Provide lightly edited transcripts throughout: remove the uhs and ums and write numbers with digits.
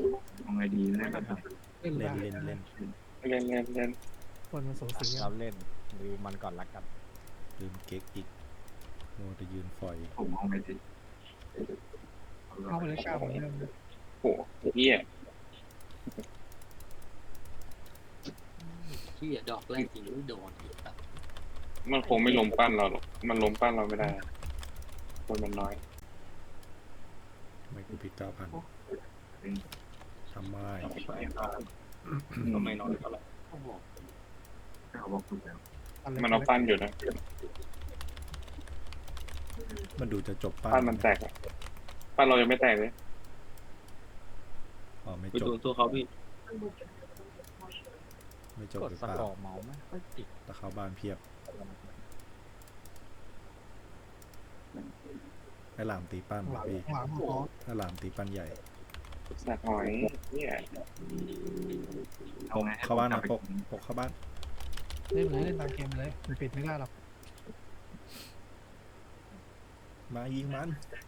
ทำไงดีเล่นเล่นเล่นได้เล่นเล่นเล่นเล่นเล่นคนมันสูสีเราเล่นดูมันก่อนละกันลืมเก๊กอีกโมจะยืนฝอยผมเอาไงดีเข้าไปเลยก้าวเหมือนเดิมโอ้เหี้ยที่ดอกแรกจริงไม่โดนอีกครับมันคงไม่ล้มปั้นเราหรอกมันล้มปั้นเราไม่ได้คนมันน้อยไม่กูพิด9,000ทำไมก็ไม่น้อยเท่าไหร่โอ้โหเขาบอกคุณแล้วมันเอาปั้นอยู่นะมันดูจะจบป้าปั้นมันแตกอะปั้นเรายังไม่แตกเลยอ๋อไม่ไปจบดูตัวเขาพี่ไม่จบกดหรือสเปล่ากอร์เมาส์ไม่ค่อยติดตะเข้าบ้านเพียบไอ้หลามตีปั้นหลังพี่หลังพอไอ้หลามตีปั้นใหญ่สัตว์หอยเนี่ยผมเข้าบ้านนะปกเข้าบ้านเล่นเลยเล่นตามเกมเลยมันปิดไม่ได้หรอกมายิงมัน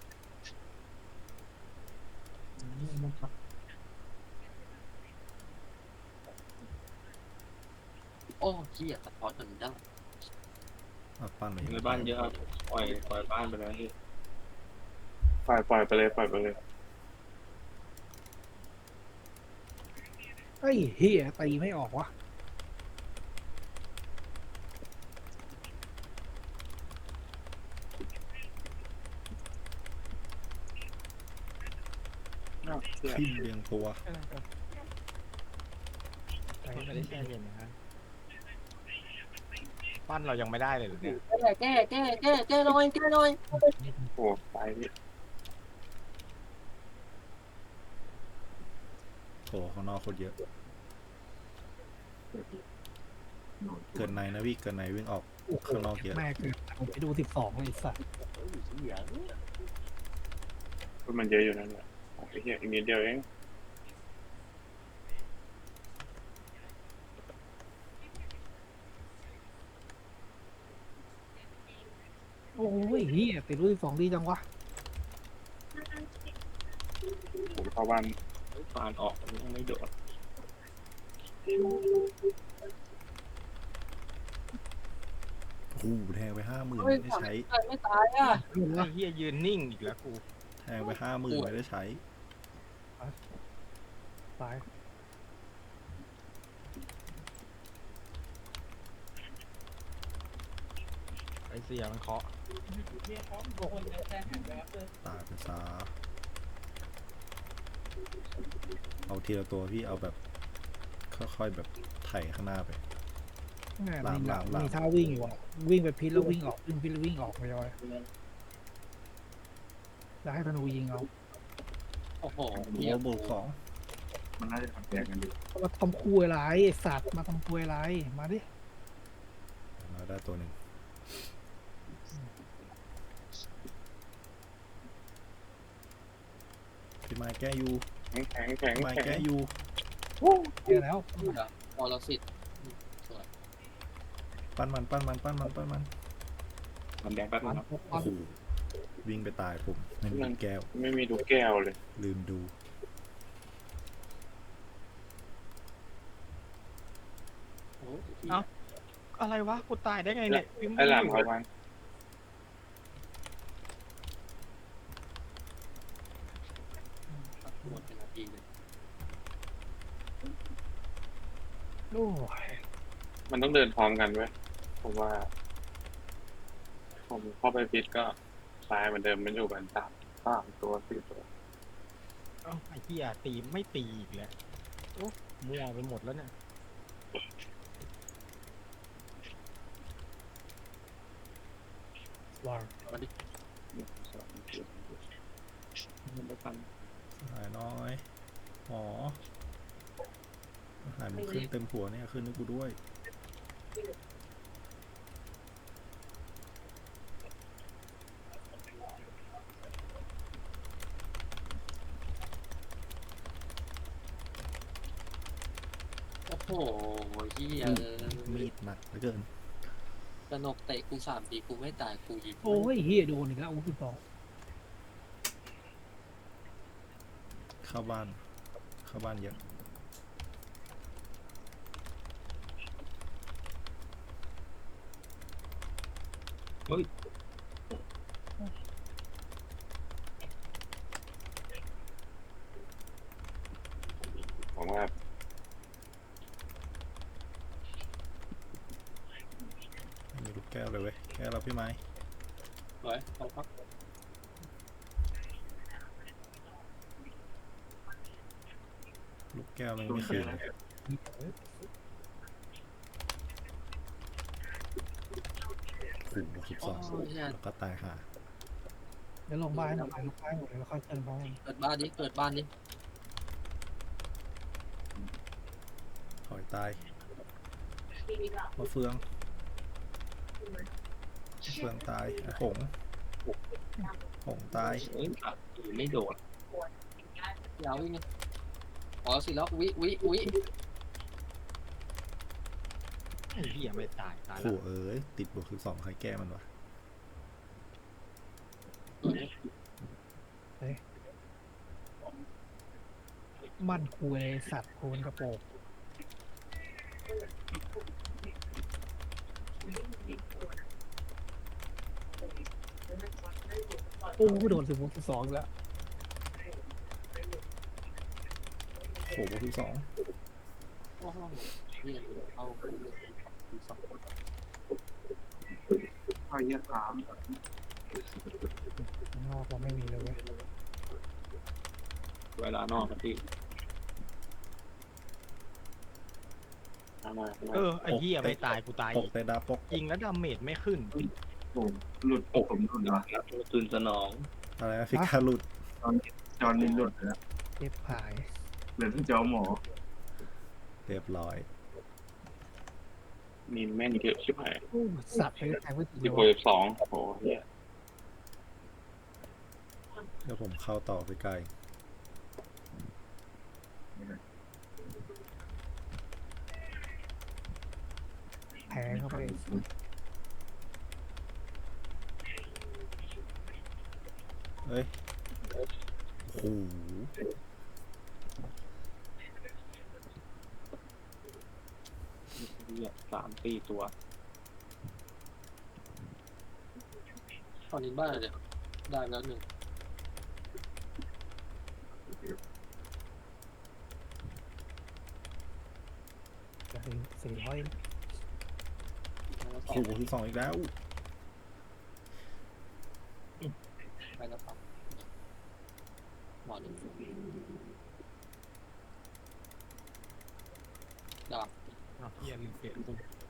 โอ้ที่สะท้อนจนได้เอาปั้นเลยในบ้านเยอะครับปล่อยบ้านไปแล้วพี่ปล่อยไปเลยปล่อยไปเลยเฮ้ยเฮียตีไม่ออกวะขึ้นเรียงตัวไม่ได้แช่เย็นนะฮะปั้นเรายังไม่ได้เลยเหรอเนี่ยแก้หน่อยแก้หน่อยโอ้ตายพี่โถข้างนอกโคตรเยอะ เกินในนะพี่เกินในวิ่งออกโอ้โหข้างนอกเยอะแม่เกิดผมไปดู12เลยไอ้สัสมันเยอะอยู่นั่นแหละไอ้เหี้ยอีกนิดเดียวเองโอ้ยเฮียติดรู12ดีจังวะผมเข้าบ้านฟานออกยังไม่โดดโอ้โหแทงไป50,000 เฮ้ยไม่ได้ใช้ไม่ตายอ่ะเห็นไอ้ปะเฮียยืนนิ่งอีกแล้วกูแทงไป50,000ไม่ได้ใช้ตายไอเสียมันเคาะตายไปซะเอาทีละตัวพี่เอาแบบค่อยๆแบบไถข้างหน้าไปแม่หลังมีหลังหลังมีท่าวิ่งอยู่อ่ะวิ่งไปพิษแล้ววิ่งออกวิ่งพิษแล้ววิ่งออกไปเลยแล้วให้ธนูยิงเอาโอ้โหโอ้โหบวก2 มันน่าจะทำแยกกันอยู่มาทำคุยอะไรไอ้สัตว์มาทำคุยอะไรมาดิมาได้ตัวหนึ่งพี่ไม้แก้ยูแข็งพี่ไม้แก้ยูเจอแล้วพอเราสิทธิ์ปั้นมันมันแดงแป๊บนึปังนครับปัโอ้นโหวิ่งไปตายผมไม่มีแก้วไม่มีดูแก้วเลยลืมดูอะไรวะกูตายได้ไงเนี่ยไอ้หลามเข้าบ้านหมดเป็นนาทีเลยโอ้ยมันต้องเดินพร้อมกันเว้ยผมว่า ผมเข้าไปฟิตก็ตายเหมือนเดิมมันอยู่กัน3 ตัว 4 ตัวเอ้าไอ้เฮียตีไม่ตีอีกแล้วโอ้มั่วไปหมดแล้วเนี่ยวางมาดิหายน้อยหมอหายมันขึ้นเต็มหัวเนี่ยขึ้นให้กูด้วยโอ้โหที่มีดหนักเหลือเกินสนกเตะกู3 ทีกูไม่ตายกูยิงโอ้ยเฮียโดนอีกแล้วโอ้12 เข้าบ้าน เเข้าบ้านเยอะผมว่าไม่มีลูกแก้วเลยเว้ยแก้วเราพี่ไม้ไว้เอาพักลูกแก้วมันไม่คืนขู่บวกโอ้ 12 ยเนี่ยแล้วก็ตายห่าเดี๋ยวลงบ้านให้หน่อยลงบ้านหมดเลยแล้วค่อยเชิญเขาเองเปิดบ้านดิเปิดบ้านดิหอยตายมะเฟืองตายไอ้หงตายไม่โดดยาววิ่งไงอ๋อสิแล้ววิไอ้เหี้ยไม่ตายตายแล้วขู่เอ้ยติดบวก12ใครแก้มันวะมันคุยสัตว์คูนกระโปรงโอ้โดน16-12แล้วขู่บวก12 โอ้โหเนี่ยเอาสองข้าวเยี่ยขามข้างนอกเราไม่มีเลยเว้ยเวลานอกครับพี่มาไอ้เหี้ยไม่ตายกูตายปอีกกแต่ดาปกยิงแล้วดาเมจไม่ขึ้นผมหลุดผมหลุดเหรอตุนสนองอะไรนะฟิกาหลุดจอนนี่หลุดแล้วเจ็บหายเหลือที่เจ้าหมอเรียบร้อยมีแม่นเยอะชิบหายโอ้สัตว์ไปแทงไม่ถึงเลสิยบวะสองโอ้โหเหี้ยเดี๋ยวผมเข้าต่อไปไกลแทงเข้าไปเอ้ยโอ้โหเนี่ย3-4 ตัวตอนนี้บ้านอะไรเนี่ยได้แล้วหนึ่งจะถึง400 แล้วสอขู่งบวก12อีกแล้วไปแล้วสองหมอหนึ่งดาบอ้าวเหี้ยลืมเปลี่ยน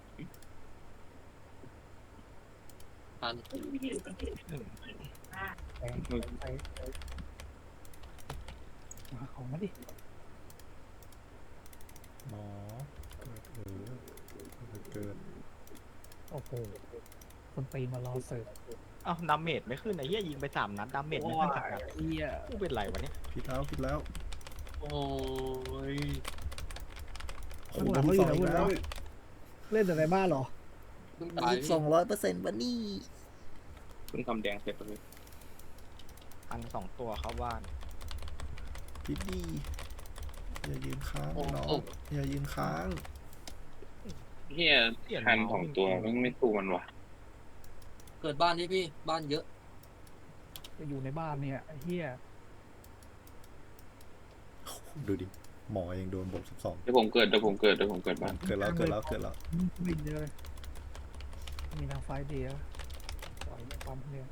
พันแทงไปมาของมาดิหมอเกิดโอ้โหคนตีมารอเสิร์ฟอ้าวดาเมจไม่ขึ้นไอ้เหี้ยยิงไป3 นัดดาเมจไม่ขึ้นสักนัดเฮียกูเป็นไรวะเนี่ยผิดแล้วโอ้ยขู่บวก12อีกแล้วเล่นแต่ในบ้านเหรอเพิ่งตายพี่ 200%วันนี้เพิ่งทำแดงเสร็จเลยพัน2 ตัวเข้าบ้านพิดดีอย่ายืนค้างโอ้น้องโอ้อย่ายืนค้างเหี้ยคันของตัวมันไม่สู้มันวะเกิดบ้านนี่พี่บ้านเยอะจะอยู่ในบ้านเนี่ยไอ้เฮียดูดิหมอเองโดนบวก12 เดี๋ยวผมเกิดบ้านเกิดแล้ววิ่งเลยมีทางไฟเดียวปล่อยไม่ปั๊มเนี่ย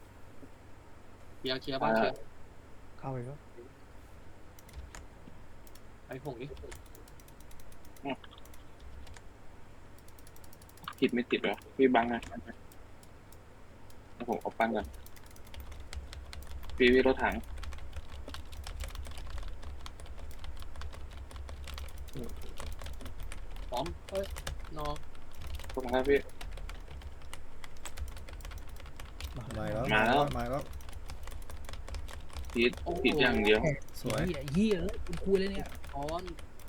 เคลียร์บ้านเคลียร์เข้าไปแล้วไอ้ผงนี่ผิดไม่ติดวะพี่บังนะผมเอาปั้นก่อนพี่รถถังพร้อมเอ้ยนอตรงนั้นพี่มาแล้วมาแล้วมาแล้วผิดอย่างเดียวสวยเฮียเลยคุณคุยเลยเนี่ยออน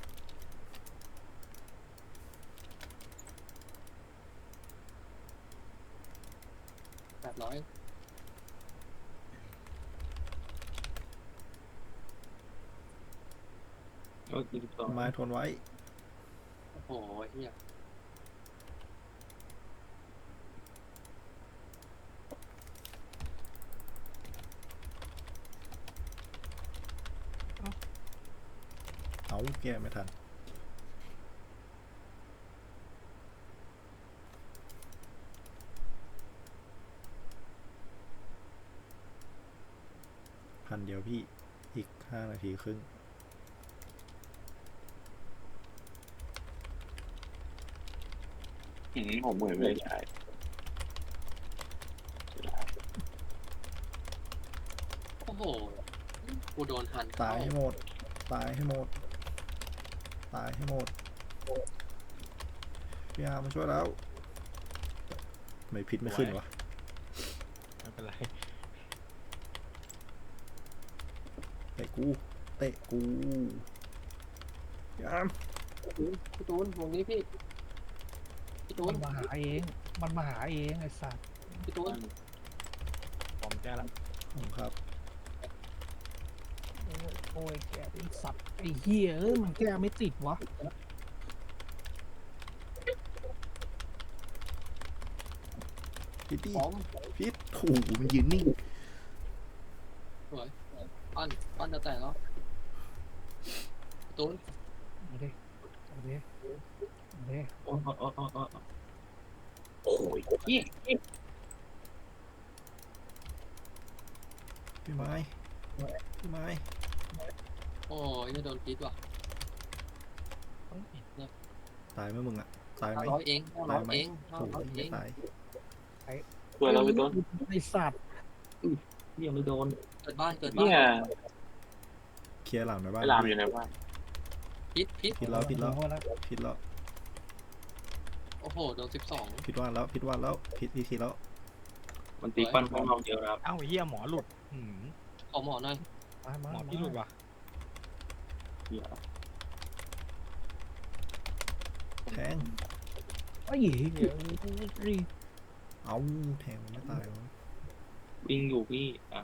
800 ก็22 ไม้ทนไว้โอ้โหเฮียเอาแก้ไม่ทันพันเดียวพี่อีก5 นาทีครึ่งผมเหมือนไม่ใช่โอ้โหกูโดนหันตายให้หมด ตายให้หมด ตายให้หมดพี่อาร์มาช่วยแล้วทำไม่พิษไม่ขึ้นวะไม่เป็นไรเตะกูเตะกูพี่อาร์มพี่ตูนวงนี้พี่ตูมัน นมาหาเอง มันมาหาเองไอ้สัตว์พี่ตูนผมแก้ละผมครับโอ้ยแกเป็นสัตว์ไอ้เหี้ยเอ้ยมันแก้ไม่ติดวะพิตตี้พร้อมพิษโอ้โหมันยืนนิ่งสวยปั้นจะแตกแล้วพี่ตูนเอาดิเอาดิเอาดิโอ้ยเหี้ยพี่ไม้พี่ไม้โอ้ยจะโดนพิษว่ะตายไหมมึงอะตายไหม 500เอง500เองโอ้โห 500เอไม่งตายตัวเราพี่ต้นไอ้สัตว์ยังไม่โดนเกิดบ้านเนี่ยเคลียร์หลังในบ้านไอ้ลามอยู่ในบ้านพิษผิดแล้วผิดแล้วโดนแล้วผิดแล้วโอ้โหโดน12 ผิดวันแล้วผิดวันแล้วผิดวิธีแล้วมันตีปั้นข้างนอกเยอะนะครับเอ้าไอ้เหี้ยหมอหลุดขอหมอหน่อยมาหมอพี่หลุดว่ะเหี้ยแทงไอ้เหี้ยเอาแทงมันไม่ตายวะวิ่งอยู่พี่อ่ะ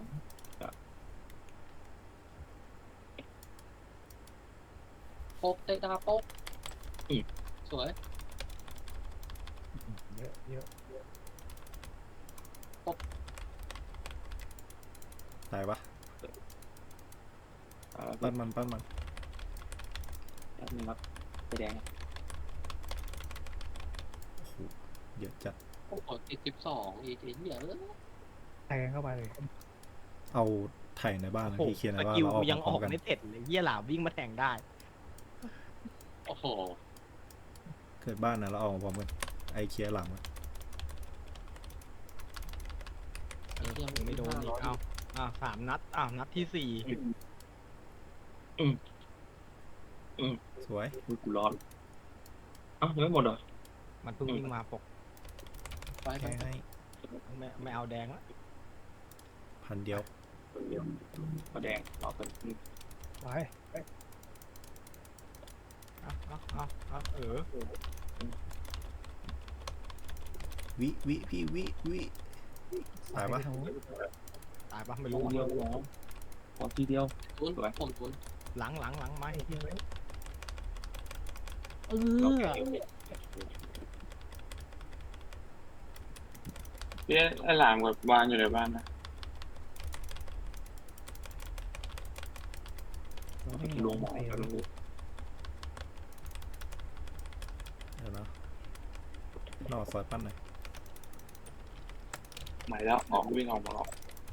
โป๊กเตะดาโป๊กสวยเยอะเยอะตายปะปั้ปั้นนมันปั้นมันแป๊บนึงครับไปแดงโอ้โหเยอะจัดโอ้โหติด12อีกไอ้เหี้ยแทงเข้าไปเลยเอาไถ่ในบ้านนะโอ้โหพี่เคลียร์ในสบ้านกิลแล้วออกยังมาพอร้ออมกกันไม่เสร็จเลยเหี้ยหลาวิ่งมาแทงได้โอ้โหเกิดบ้านนะแล้วออกมาพร้อมกันไอเคลียร์หลังอะยังไม่โดนอีกเอา3 นัดนัดที่สวยอุ้ยกูร้อนอ้าวยังไม่หมดเหรอ 4มันเพิ่งวิ่งมาปกไปแค่ให้ไม่เอาแดงละพันเดียวเดี๋ยวมาแดงรอเป็นไปเอาวิพี่วิตายปะไปทางนู้นตายปะไม่ทีรู้เดียวร้องขอทีเดียวตูนผมตูนหลังไม้เอโออเคพี่ไอ้ลามกับวานอยู่ในบ้านนะลงหมอกันเลยเดี๋ยวนะนอกซอยปั้นหน่อยหมายแล้วออกวิ่งออกมาออก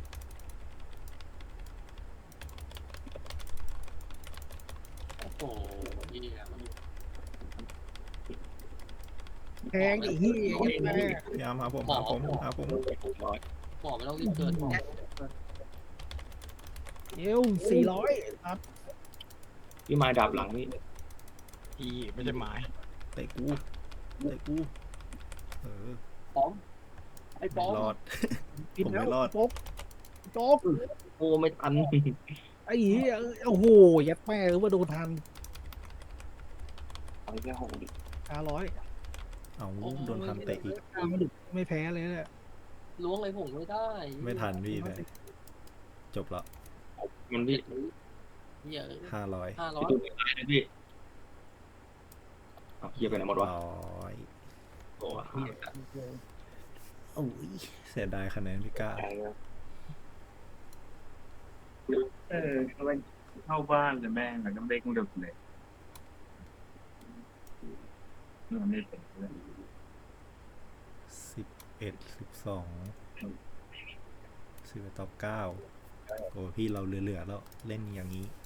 โอ้โหเหี้ยแทงไอ้เหี้ยแม่พี่อาร์มหาผมหาผมหมอหาผมร้อยหมอไม่ต้องรีบเกิดหมอเอว400ครับพี่ไม้ดับหลังนี่อีไม่ใช่ไม้เตะกูเออป้อมไอ้ป้ไม่อมรอดผิดผมแล้ไม่วรอดโจ๊กโจ๊กโอ้ไม่ทันไอ้เหี้ยโอ้โหยัดแม่ว่าโดนทันเอาแค่หกดิ 500 เอาโดนพันเตะอีกไม่แพ้เลยเนี่ยล้วงอะไรผมไม่ได้ไม่ทันพี่เลยจบละมันพี่เหี้ย 500 500 พี่ตูนไม่ตายนะพี่เอาเฮียไปไหนหมดวะ 100 โอ้เฮียโอ้ยเสียดายคะแนนพี่ก้าใช่ครับเข้าบ้านเลยแม่งแล้วก็เด้งดึกเลยมันไม่เป็นเลย 11 12 11 ต่อ 9 โอ้พี่เราเหลือๆแล้วเล่นอย่างนี้